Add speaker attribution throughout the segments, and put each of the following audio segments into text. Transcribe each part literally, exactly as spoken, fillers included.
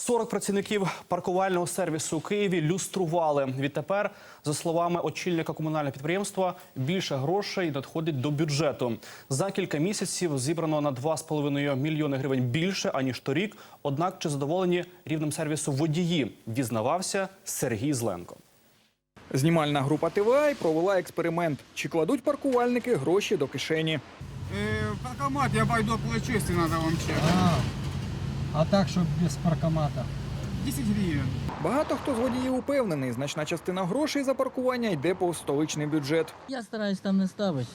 Speaker 1: сорок працівників паркувального сервісу у Києві люстрували. Відтепер, за словами очільника комунального підприємства, більше грошей надходить до бюджету. За кілька місяців зібрано на два з половиною мільйони гривень більше, аніж торік. Однак, чи задоволені рівнем сервісу водії, дізнавався Сергій Зленко.
Speaker 2: Знімальна група Т В А провела експеримент. Чи кладуть паркувальники гроші до кишені?
Speaker 3: Э, паркомат я пойду оплачу, если надо вам чек.
Speaker 4: А, а так, щоб без паркомата?
Speaker 3: десять гривен.
Speaker 2: Багато хто з водіїв упевнений, значна частина грошей за паркування йде по столичний бюджет.
Speaker 4: Я стараюсь там не ставити.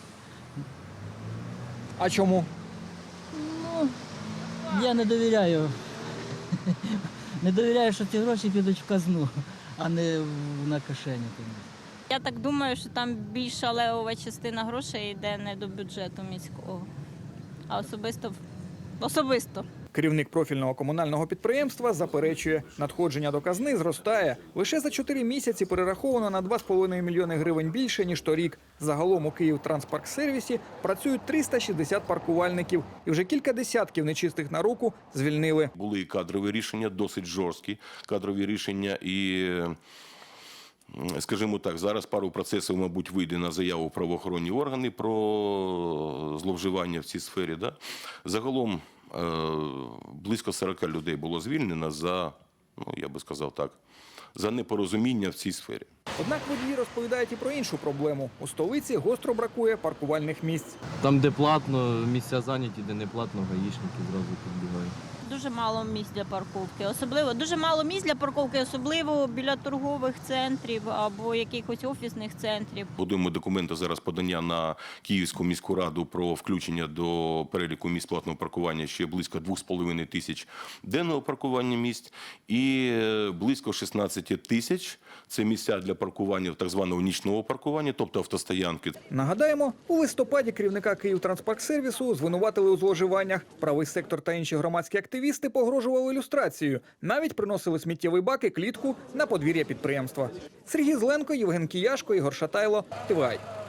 Speaker 2: А чому?
Speaker 4: Ну, я не довіряю. Не довіряю, що ці гроші підуть в казну, а не в- на кишені.
Speaker 5: Я так думаю, що там більша левова частина грошей йде не до бюджету міського, а особисто особисто.
Speaker 2: Керівник профільного комунального підприємства заперечує, надходження до казни зростає. Лише за чотири місяці перераховано на два з половиною мільйони гривень більше, ніж торік. Загалом у Київтранспарксервісі працюють триста шістдесят паркувальників. І вже кілька десятків нечистих на руку звільнили.
Speaker 6: Були і кадрові рішення, досить жорсткі кадрові рішення. І, скажімо так, зараз пару процесів, мабуть, вийде на заяву в правоохоронні органи про зловживання в цій сфері. Да? Загалом близько сорока людей було звільнено за, ну, я би сказав так, за непорозуміння в цій сфері.
Speaker 2: Однак водії розповідають і про іншу проблему. У столиці гостро бракує паркувальних місць.
Speaker 7: Там, де платно, місця зайняті, де не платно, гаїшники зразу підбігають.
Speaker 5: Дуже мало місць для парковки. Особливо дуже мало місць для парковки, особливо біля торгових центрів або якихось офісних центрів.
Speaker 6: Будуємо документи зараз подання на Київську міську раду про включення до переліку місць платного паркування ще близько двох з половиною тисяч денного паркування місць і близько шістнадцять тисяч – це місця для паркування так званого нічного паркування, тобто автостоянки.
Speaker 2: Нагадаємо, у листопаді керівника Київтранспарксервісу звинуватили у зловживаннях. Правий сектор та інші громадські активісти погрожували люстрацією. Навіть приносили сміттєвий бак і клітку на подвір'я підприємства. Сергій Зленко, Євген Кияшко, Ігор Шатайло, Т В А.